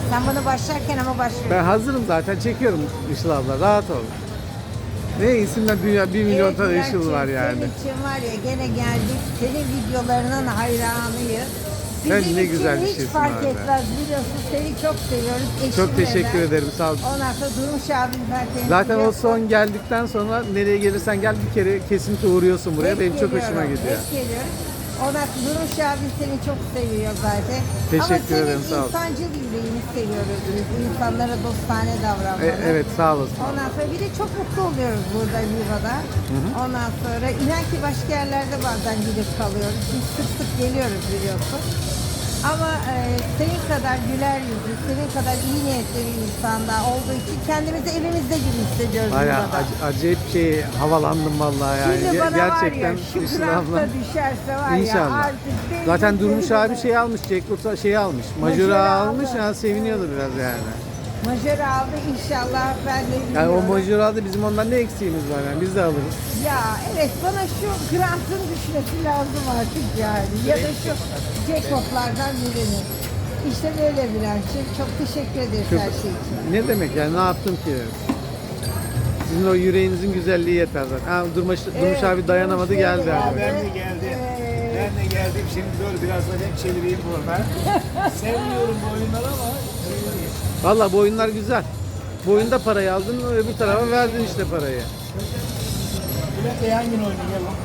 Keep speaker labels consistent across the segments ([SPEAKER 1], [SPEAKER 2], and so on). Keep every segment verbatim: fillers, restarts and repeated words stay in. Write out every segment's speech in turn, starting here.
[SPEAKER 1] Sen bunu başlarken ama başlıyorsun.
[SPEAKER 2] Ben hazırım zaten, çekiyorum Işıl abla, rahat ol. Ne isimler dünya bir milyon
[SPEAKER 1] Evet,
[SPEAKER 2] tane
[SPEAKER 1] Bülent'ciğim,
[SPEAKER 2] Işıl var yani.
[SPEAKER 1] Senin için var ya, gene geldik. Senin videolarının hayranıyız.
[SPEAKER 2] Sen
[SPEAKER 1] Bizim
[SPEAKER 2] ne
[SPEAKER 1] için
[SPEAKER 2] güzel bir
[SPEAKER 1] hiç
[SPEAKER 2] şeysin
[SPEAKER 1] fark
[SPEAKER 2] abi.
[SPEAKER 1] etmez, biliyorsun. Seni çok seviyoruz. Eşimle
[SPEAKER 2] Çok teşekkür
[SPEAKER 1] ben.
[SPEAKER 2] ederim, sağ ol.
[SPEAKER 1] Ondan sonra Durmuş abim zaten.
[SPEAKER 2] Zaten o
[SPEAKER 1] biliyorsun.
[SPEAKER 2] son geldikten sonra nereye gelirsen gel bir kere kesinlikle uğruyorsun buraya.
[SPEAKER 1] Hep
[SPEAKER 2] Benim çok
[SPEAKER 1] geliyorum,
[SPEAKER 2] hoşuma gidiyor.
[SPEAKER 1] Hep geliyoruz. Ondan sonra Durmuş abim seni çok seviyor zaten.
[SPEAKER 2] Teşekkür
[SPEAKER 1] Ama
[SPEAKER 2] ederim,
[SPEAKER 1] senin
[SPEAKER 2] sağ ol.
[SPEAKER 1] insancıl yüreğini seviyoruz biz. İnsanlara dostane
[SPEAKER 2] E,
[SPEAKER 1] davranmanı.
[SPEAKER 2] evet, sağ olasın.
[SPEAKER 1] Ondan sonra bir de çok mutlu oluyoruz burada Viva'da. Ondan sonra inan ki başka yerlerde bazen gidip kalıyoruz. Biz sık sık geliyoruz biliyorsun. Ama e, senin kadar güler yüzlü, senin kadar iyi niyetli bir insanda olduğu için kendimizi evimizde gibi hissediyoruz
[SPEAKER 2] Bayağı
[SPEAKER 1] Viva'da.
[SPEAKER 2] ac- acayip şey havalandım vallahi yani.
[SPEAKER 1] Şimdi
[SPEAKER 2] Ge-
[SPEAKER 1] bana
[SPEAKER 2] Gerçekten
[SPEAKER 1] var ya, şu
[SPEAKER 2] Işıl
[SPEAKER 1] grafta
[SPEAKER 2] abla.
[SPEAKER 1] düşerse var
[SPEAKER 2] İnşallah.
[SPEAKER 1] ya artık benim
[SPEAKER 2] Zaten Durmuş
[SPEAKER 1] benim-
[SPEAKER 2] abi şey almış, Jack Russell şeyi almış.
[SPEAKER 1] Majörü
[SPEAKER 2] Majörü
[SPEAKER 1] aldı.
[SPEAKER 2] almış, yani seviniyordu biraz yani.
[SPEAKER 1] Majör aldı inşallah, ben de
[SPEAKER 2] Yani o
[SPEAKER 1] biliyorum.
[SPEAKER 2] majörü aldı, bizim ondan ne eksiğimiz var yani, biz de alırız.
[SPEAKER 1] Ya evet, bana şu grantın düşmesi lazım artık yani. Ya da şu Jacob'lardan birini. İşte böyle Bülent'ciğim. Çok teşekkür ederiz
[SPEAKER 2] Çok-
[SPEAKER 1] her şey için.
[SPEAKER 2] Ne demek yani, ne yaptım ki? Sizin o yüreğinizin güzelliği yeter zaten. Ha, Durmuş, Durmuş abi dayanamadı,
[SPEAKER 1] Durmuş
[SPEAKER 2] geldi
[SPEAKER 1] Bey
[SPEAKER 2] abi.
[SPEAKER 1] geldi.
[SPEAKER 3] Ben de geldim.
[SPEAKER 1] Evet.
[SPEAKER 3] Ben de geldim. Şimdi dur biraz da hem çevireyim burada. Sevmiyorum bu oyunları ama
[SPEAKER 2] Valla bu oyunlar güzel. Bu oyunda parayı aldın, öbür tarafa verdin işte parayı.
[SPEAKER 3] Bülent Bey hangi oyunu gel lan?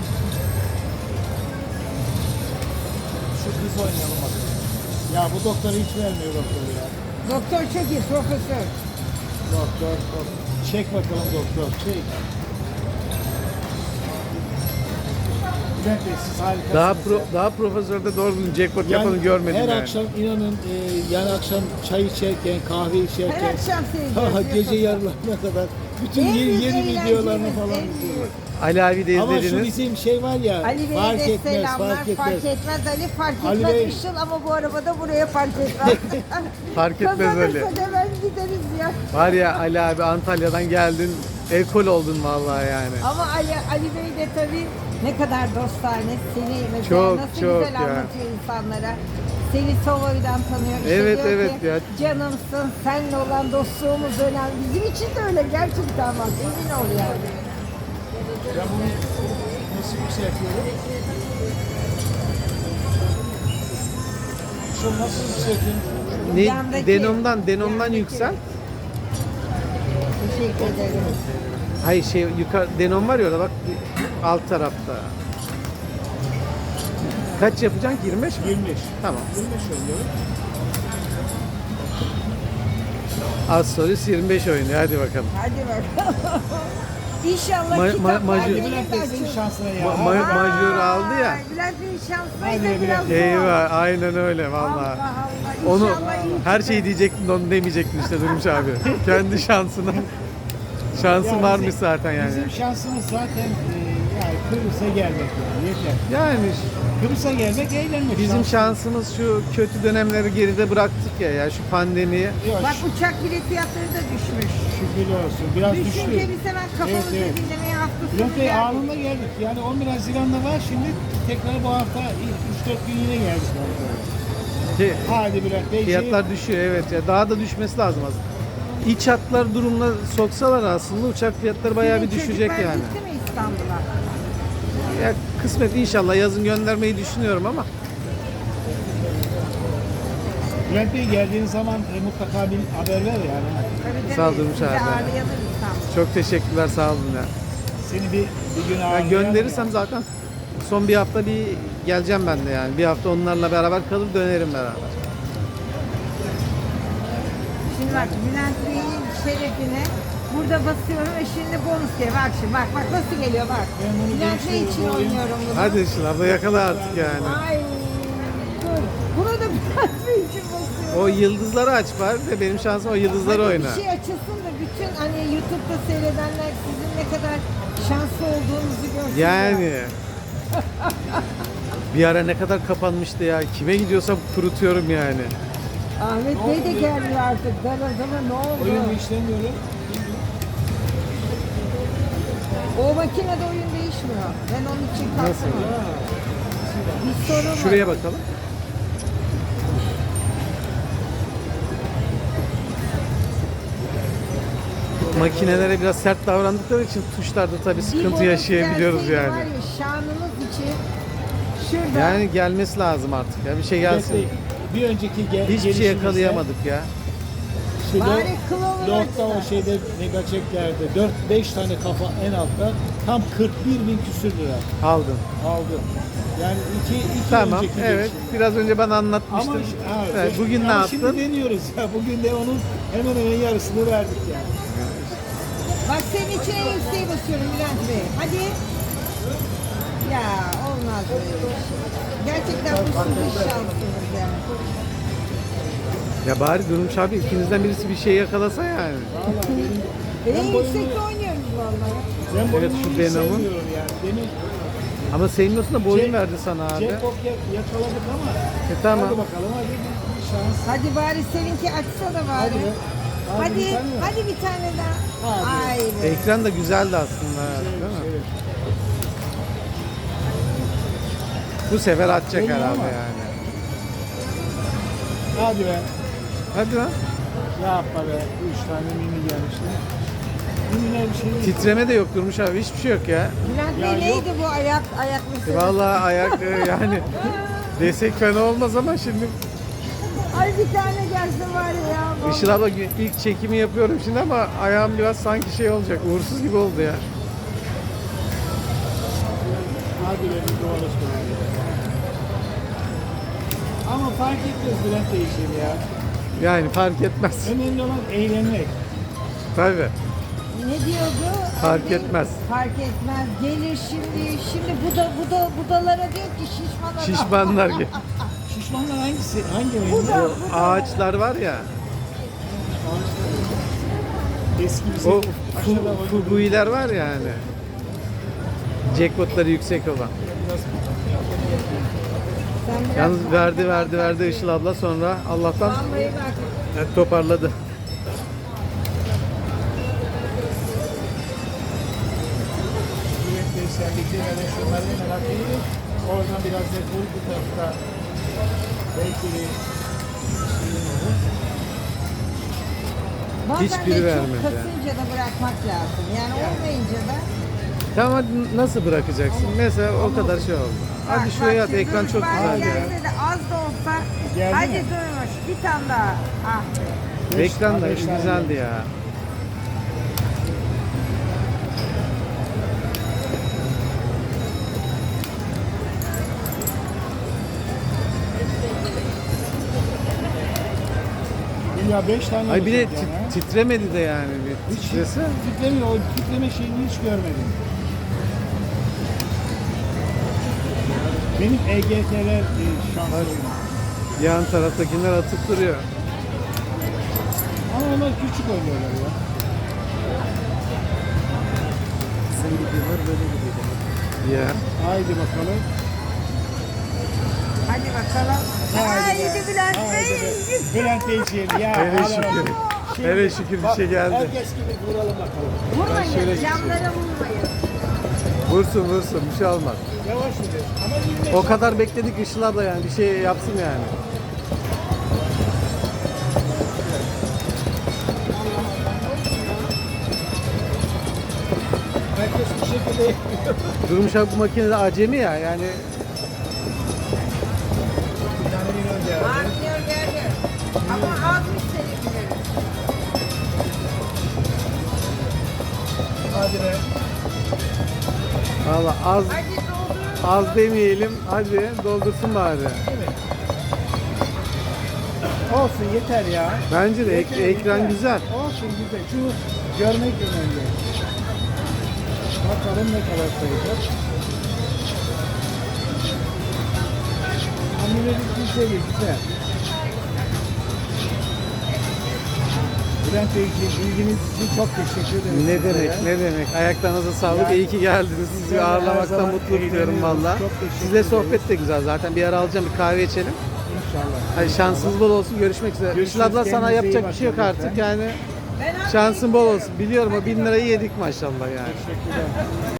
[SPEAKER 3] Şu kız oynayalım hadi. Ya bu doktor hiç vermiyor doktor ya.
[SPEAKER 1] Doktor çok iyi, profesör.
[SPEAKER 3] Doktor, doktor. Çek bakalım doktor, çek. Bülent Bey siz harikasınız.
[SPEAKER 2] Daha
[SPEAKER 3] ya.
[SPEAKER 2] pro, daha profesörde doğru düzgün jackpot yapanı görmedim
[SPEAKER 3] her
[SPEAKER 2] yani.
[SPEAKER 3] akşam inanın e, yani akşam çay içerken, kahve
[SPEAKER 1] Her
[SPEAKER 3] içerken,
[SPEAKER 1] akşam
[SPEAKER 3] ha,
[SPEAKER 1] seyrediyoruz.
[SPEAKER 3] gece yarılarına kadar bütün
[SPEAKER 1] En
[SPEAKER 3] yeni,
[SPEAKER 1] büyük
[SPEAKER 3] yeni
[SPEAKER 1] eğlencemiz,
[SPEAKER 3] videolarını
[SPEAKER 1] en
[SPEAKER 3] falan
[SPEAKER 1] büyük.
[SPEAKER 3] izliyorlar.
[SPEAKER 2] Ali abi de
[SPEAKER 3] Ama şu
[SPEAKER 2] izlediniz.
[SPEAKER 3] bizim şey var ya,
[SPEAKER 1] Ali Bey'e
[SPEAKER 3] fark
[SPEAKER 1] de
[SPEAKER 3] etmez,
[SPEAKER 1] selamlar.
[SPEAKER 3] fark etmez.
[SPEAKER 1] Ali, fark
[SPEAKER 3] Ali
[SPEAKER 1] etmez
[SPEAKER 3] Bey-
[SPEAKER 1] Işıl, ama bu arabada buraya fark etmez.
[SPEAKER 2] Fark etmez Ali.
[SPEAKER 1] Kazanırsa da ben gideriz ya.
[SPEAKER 2] Var ya Ali abi, Antalya'dan geldin, ekol oldun vallahi yani.
[SPEAKER 1] Ama Ali, Ali Bey de tabii ne kadar dostane, seni mesela
[SPEAKER 2] Çok,
[SPEAKER 1] nasıl
[SPEAKER 2] çok
[SPEAKER 1] güzel
[SPEAKER 2] ya.
[SPEAKER 1] anlatıyor insanlara. Seni Solo'dan tanıyor. İşte
[SPEAKER 2] Evet,
[SPEAKER 1] diyor
[SPEAKER 2] evet
[SPEAKER 1] ki,
[SPEAKER 2] ya.
[SPEAKER 1] canımsın, seninle olan dostluğumuz önemli. Bizim için de öyle gerçekten, bak emin ol yani.
[SPEAKER 3] Ben bunu nasıl yükseltiyorum? Şu nasıl yükseltiyorum?
[SPEAKER 2] Ne,
[SPEAKER 1] Yandaki-
[SPEAKER 2] denomdan, denomdan
[SPEAKER 1] yandaki.
[SPEAKER 2] yüksel.
[SPEAKER 1] Teşekkür ederim.
[SPEAKER 2] Hayır şey yukarı denom var ya orada bak, alt tarafta. Kaç yapacaksın ki, yirmi beş mi?
[SPEAKER 3] yirmi beş.
[SPEAKER 2] Tamam.
[SPEAKER 3] yirmi beş oluyor.
[SPEAKER 2] Az solist yirmi beş oynuyor, hadi bakalım.
[SPEAKER 1] Hadi bakalım. İnşallah
[SPEAKER 2] Ma- ma-
[SPEAKER 1] kitaplar
[SPEAKER 2] majör-
[SPEAKER 1] benim de
[SPEAKER 3] Bülent Bey senin
[SPEAKER 1] açılır.
[SPEAKER 3] şansına ya.
[SPEAKER 2] Ma- ma- majör aldı ya.
[SPEAKER 1] Ay, Bülent Bey'in şansına
[SPEAKER 3] Hadi
[SPEAKER 1] da
[SPEAKER 3] Bülent
[SPEAKER 1] biraz
[SPEAKER 3] Bey.
[SPEAKER 1] zor.
[SPEAKER 2] Eyvah, aynen öyle
[SPEAKER 1] Allah
[SPEAKER 2] vallahi.
[SPEAKER 1] Allah.
[SPEAKER 2] Onu
[SPEAKER 1] İnşallah iyi
[SPEAKER 2] her
[SPEAKER 1] çıkar.
[SPEAKER 2] şeyi diyecektin, onu demeyecektin işte Durmuş abi. Kendi şansına. Şansın
[SPEAKER 3] Ya
[SPEAKER 2] varmış
[SPEAKER 3] bizim-
[SPEAKER 2] zaten yani.
[SPEAKER 3] Bizim şansımız zaten e, yani Kıbrıs'a gelmek yani yeter.
[SPEAKER 2] Yani
[SPEAKER 3] Kıbrıs'a gelmek, eğlenmek.
[SPEAKER 2] bizim
[SPEAKER 3] Şans-
[SPEAKER 2] şansımız şu kötü dönemleri geride bıraktık ya, ya şu pandemiyi.
[SPEAKER 3] Yok,
[SPEAKER 1] Bak uçak bilet fiyatları da düşmüş.
[SPEAKER 3] şükürler olsun. Biraz düştü.
[SPEAKER 1] Düşünce biz hemen kafamızı
[SPEAKER 3] Evet, evet.
[SPEAKER 1] dinlemeye hafta sonu
[SPEAKER 3] Bülent Bey
[SPEAKER 1] geldik.
[SPEAKER 3] anında geldik. Yani on bir Haziran'da var, şimdi tekrar bu hafta üç dört gün yine geldik.
[SPEAKER 2] Ki
[SPEAKER 3] Hadi Bülent Bey.
[SPEAKER 2] fiyatlar düşüyor, evet ya, daha da düşmesi lazım aslında. İç hatlar durumuna soksalar aslında uçak fiyatları bayağı bir
[SPEAKER 1] Senin
[SPEAKER 2] düşecek
[SPEAKER 1] çocuklar
[SPEAKER 2] yani.
[SPEAKER 1] gitti mi İstanbul'a?
[SPEAKER 2] Ya kısmet inşallah yazın göndermeyi düşünüyorum ama
[SPEAKER 3] Bülent Bey geldiğin zaman e, mutlaka bir haber ver yani.
[SPEAKER 1] Tabii, tabii.
[SPEAKER 2] Sağ ol Durmuş
[SPEAKER 1] Bizi
[SPEAKER 2] abi.
[SPEAKER 1] ağırlayalım İstanbul'da.
[SPEAKER 2] çok teşekkürler, sağ olun ya.
[SPEAKER 3] Seni bir, bir gün
[SPEAKER 2] Ya
[SPEAKER 3] ağırlayalım.
[SPEAKER 2] gönderirsem zaten son bir hafta bir geleceğim ben de yani. Bir hafta onlarla beraber kalıp dönerim beraber.
[SPEAKER 1] Şimdi bak, Bülent Bey'in şerefine burada basıyorum ve şimdi bonus diye. Bak şimdi, bak bak nasıl geliyor bak.
[SPEAKER 3] Ben bunu
[SPEAKER 1] Bülent Bey
[SPEAKER 3] geliştiriyorum,
[SPEAKER 1] için
[SPEAKER 3] bu oyun-
[SPEAKER 1] oynuyorum bunu.
[SPEAKER 2] Hadi Işıl abla yakala artık yani.
[SPEAKER 1] Ay dur. Bunu da Bülent Bey için basıyorum.
[SPEAKER 2] O yıldızları aç bari de benim şansım o yıldızları
[SPEAKER 1] Hadi
[SPEAKER 2] oyna.
[SPEAKER 1] Bir şey açılsın da bütün hani YouTube'da seyredenler sizin ne kadar şanslı olduğunuzu görsün.
[SPEAKER 2] Yani. Bir ara ne kadar kapanmıştı ya. Kime gidiyorsam kurutuyorum yani.
[SPEAKER 1] Ahmet Bey de gelmiyor artık. Ben o zaman ne oldu?
[SPEAKER 3] Oyun işlemiyorum.
[SPEAKER 1] O makinede oyun değişmiyor. Ben onun için
[SPEAKER 2] Nasıl?
[SPEAKER 1] kalktım. Bir sorun var.
[SPEAKER 2] Şuraya bakalım. makinelere biraz sert davrandıkları için tuşlarda tabii
[SPEAKER 1] Bir
[SPEAKER 2] sıkıntı
[SPEAKER 1] bonus
[SPEAKER 2] yaşayabiliyoruz
[SPEAKER 1] gelseydi
[SPEAKER 2] yani.
[SPEAKER 1] Var ya, şanımız için şurada
[SPEAKER 2] Yani gelmesi lazım artık ya. Bir şey gelsin.
[SPEAKER 3] Destek, bir önceki ge-
[SPEAKER 2] Hiçbir şey
[SPEAKER 3] gelişimizde
[SPEAKER 2] yakalayamadık ya.
[SPEAKER 3] Şu
[SPEAKER 1] Bari
[SPEAKER 3] Lord-
[SPEAKER 1] Clover
[SPEAKER 3] Lord'da o
[SPEAKER 1] açsa.
[SPEAKER 3] şeyde megaçeklerde dört beş tane kafa en altta tam kırk bir bin küsür lira
[SPEAKER 2] Aldın.
[SPEAKER 3] aldı. Yani iki, iki
[SPEAKER 2] Tamam.
[SPEAKER 3] önceki
[SPEAKER 2] Evet.
[SPEAKER 3] gelişimde.
[SPEAKER 2] Biraz önce ben
[SPEAKER 3] Ama
[SPEAKER 2] anlatmıştım.
[SPEAKER 3] ha,
[SPEAKER 2] Evet, bugün ne
[SPEAKER 3] ama
[SPEAKER 2] yaptın?
[SPEAKER 3] Şimdi deniyoruz ya. Bugün de onun hemen hemen yarısını verdik yani.
[SPEAKER 1] Bak senin için en yükseği basıyorum Bülent Bey. Hadi. Ya olmaz böyle bir şey. Gerçekten bu sizin şansınız yani.
[SPEAKER 2] Ya bari Durmuş abi ikinizden birisi bir şey yakalasa yani.
[SPEAKER 3] Vallahi benim
[SPEAKER 1] En
[SPEAKER 3] ben boyumu,
[SPEAKER 1] yüksekte oynuyoruz vallahi.
[SPEAKER 3] ben boyumu
[SPEAKER 2] şu
[SPEAKER 3] hiç
[SPEAKER 2] Venom'un.
[SPEAKER 3] sevmiyorum yani. Benim
[SPEAKER 2] Ama senin olsun da boyun
[SPEAKER 3] Jack-
[SPEAKER 2] verdi sana abi.
[SPEAKER 3] Jackpot ya- yakaladık ama
[SPEAKER 2] E, tamam.
[SPEAKER 3] hadi bakalım hadi bir şans.
[SPEAKER 1] Hadi bari seninki açsa da bari.
[SPEAKER 3] Hadi be.
[SPEAKER 1] Hadi,
[SPEAKER 3] bir tane mi?
[SPEAKER 1] hadi bir tane daha.
[SPEAKER 3] Hadi.
[SPEAKER 1] Ay be.
[SPEAKER 2] Ekran da güzeldi aslında.
[SPEAKER 3] Evet,
[SPEAKER 2] değil mi?
[SPEAKER 3] evet.
[SPEAKER 2] Bu sefer atacak
[SPEAKER 3] Deniyor
[SPEAKER 2] herhalde
[SPEAKER 3] ama.
[SPEAKER 2] yani.
[SPEAKER 3] Hadi be.
[SPEAKER 2] Hadi lan.
[SPEAKER 3] Yapma be. Üç tane mini gelmişti. Miniler bir şey değil.
[SPEAKER 2] Titreme de yok Durmuş abi. Hiçbir şey yok ya.
[SPEAKER 1] Bülent
[SPEAKER 3] Ya
[SPEAKER 1] Bey
[SPEAKER 3] yok.
[SPEAKER 1] neydi bu ayak ayaklısı?
[SPEAKER 2] E, Vallahi ayak e, yani desek fena olmaz ama şimdi
[SPEAKER 1] Ay bir tane gelse var ya.
[SPEAKER 2] Işıl abla ilk çekimi yapıyorum şimdi ama ayağım biraz sanki şey olacak. Uğursuz gibi oldu ya.
[SPEAKER 3] Hadi be bir dolaşma. Ama fark etmez Bülent değişir ya.
[SPEAKER 2] Yani fark etmez.
[SPEAKER 3] Önemli olan eğlenmek.
[SPEAKER 2] Tabii.
[SPEAKER 1] Ne diyordu?
[SPEAKER 2] Fark
[SPEAKER 1] Anne,
[SPEAKER 2] etmez.
[SPEAKER 1] Fark etmez. Gelir şimdi. Şimdi bu da bu da budalara diyor ki şişman adam.
[SPEAKER 2] Şişmanlar gibi.
[SPEAKER 3] Şişmanlar hangisi? Hangi
[SPEAKER 1] Bu
[SPEAKER 3] rengi?
[SPEAKER 1] da-
[SPEAKER 2] O ağaçlar var ya.
[SPEAKER 3] Eski bir
[SPEAKER 2] O
[SPEAKER 3] şey.
[SPEAKER 2] fu- fuguiler var ya hani. Jackpotları yüksek olan.
[SPEAKER 1] Sen biraz
[SPEAKER 2] Yalnız verdi verdi verdi Işıl abla sonra Allah'tan
[SPEAKER 1] Vallahi bak.
[SPEAKER 2] evet, toparladı.
[SPEAKER 3] Sürekli sendeki yani şunları merak ediyorum. Oradan biraz da bu bu tarafta belki bir şeyin olur.
[SPEAKER 1] Bazen
[SPEAKER 2] Hiçbiri
[SPEAKER 1] de çok
[SPEAKER 2] vermedi
[SPEAKER 1] kasınca da bırakmak lazım. Yani olmayınca da
[SPEAKER 2] Tamam hadi nasıl bırakacaksın? Mesela o kadar şey oldu. Hadi
[SPEAKER 1] Bak,
[SPEAKER 2] şuraya
[SPEAKER 1] bak
[SPEAKER 2] at
[SPEAKER 1] şimdi
[SPEAKER 2] ekran
[SPEAKER 1] dur,
[SPEAKER 2] çok
[SPEAKER 1] bak
[SPEAKER 2] güzel ya.
[SPEAKER 1] gelse de az da olsa.
[SPEAKER 3] Geldi
[SPEAKER 1] Hadi
[SPEAKER 3] mi?
[SPEAKER 1] durmuş. Bir tane daha. Ah.
[SPEAKER 3] Beş-
[SPEAKER 2] Ekran da
[SPEAKER 3] beş tane
[SPEAKER 2] güzeldi
[SPEAKER 3] geldi.
[SPEAKER 2] ya.
[SPEAKER 3] Ya beş tane
[SPEAKER 2] Ay bir de
[SPEAKER 3] olacak yani, ha.
[SPEAKER 2] tit- titremedi de yani bir
[SPEAKER 3] Hiç
[SPEAKER 2] titrese.
[SPEAKER 3] titremiyor. O titreme şeyini hiç görmedim. Benim E G T'ler e, şanslı.
[SPEAKER 2] Yan taraftakiler atıp duruyor.
[SPEAKER 3] Ama onlar küçük oynuyorlar ya.
[SPEAKER 2] Sen gidiyorlar böyle gidiyor. Ya.
[SPEAKER 3] Haydi bakalım.
[SPEAKER 1] Hadi bakalım. Haydi Bülent
[SPEAKER 3] Haydi
[SPEAKER 1] Bey.
[SPEAKER 3] be. Bülent Beyciğim ya.
[SPEAKER 2] Hele
[SPEAKER 3] Allah
[SPEAKER 2] şükür.
[SPEAKER 3] razı olsun. Şimdi
[SPEAKER 2] Hele şükür bir
[SPEAKER 3] bak,
[SPEAKER 2] şey geldi.
[SPEAKER 3] Herkes gibi vuralım bakalım.
[SPEAKER 1] Vurmayın.
[SPEAKER 2] şöyle
[SPEAKER 1] Camlara vurmayın.
[SPEAKER 2] Vursun vursun bir şey olmaz.
[SPEAKER 3] Yavaş yürü. Ama yirmi beş
[SPEAKER 2] O kadar bekledik Işıl abla yani bir şey yapsın yani.
[SPEAKER 3] herkes bu şekilde yapıyor.
[SPEAKER 2] Durmuş abi bu makinede acemi ya yani
[SPEAKER 3] Bir tane minyon geldi.
[SPEAKER 1] Artıyor geldi. Ama azmış seninkileri.
[SPEAKER 3] Hadi be.
[SPEAKER 2] valla az
[SPEAKER 1] Hadi doldurun.
[SPEAKER 2] az demeyelim hadi doldursun bari.
[SPEAKER 3] Değil mi? Olsun yeter ya.
[SPEAKER 2] Bence de ek-
[SPEAKER 3] Yeter,
[SPEAKER 2] ekran
[SPEAKER 3] yeter.
[SPEAKER 2] güzel.
[SPEAKER 3] Olsun güzel. Şunu görmek önemli. Bakalım ne kadar sayacak. Hamile bir şey güzel. Bülent Beyciğim bilginiz için çok teşekkür ederim.
[SPEAKER 2] Ne
[SPEAKER 3] size
[SPEAKER 2] demek
[SPEAKER 3] ya.
[SPEAKER 2] ne demek ayaklarınıza sağlık
[SPEAKER 3] Yani-
[SPEAKER 2] iyi ki geldiniz sizi
[SPEAKER 3] Yani her
[SPEAKER 2] ağırlamaktan
[SPEAKER 3] zaman
[SPEAKER 2] mutluluk duyuyorum
[SPEAKER 3] eğleniyoruz.
[SPEAKER 2] valla.
[SPEAKER 3] Çok teşekkür
[SPEAKER 2] Sizle
[SPEAKER 3] ederiz.
[SPEAKER 2] sohbet de güzel zaten bir ara alacağım bir kahve içelim.
[SPEAKER 3] İnşallah.
[SPEAKER 2] Hadi şansınız bol olsun görüşmek üzere.
[SPEAKER 3] Görüşürüz,
[SPEAKER 2] Işıl abla sana
[SPEAKER 3] kendinize iyi
[SPEAKER 2] yapacak bir şey yok
[SPEAKER 3] bakın
[SPEAKER 2] artık
[SPEAKER 3] lütfen.
[SPEAKER 2] yani
[SPEAKER 1] Ben
[SPEAKER 2] şansın bol
[SPEAKER 1] gidiyorum.
[SPEAKER 2] olsun biliyorum o bin lirayı yedik maşallah yani.
[SPEAKER 3] Teşekkürler.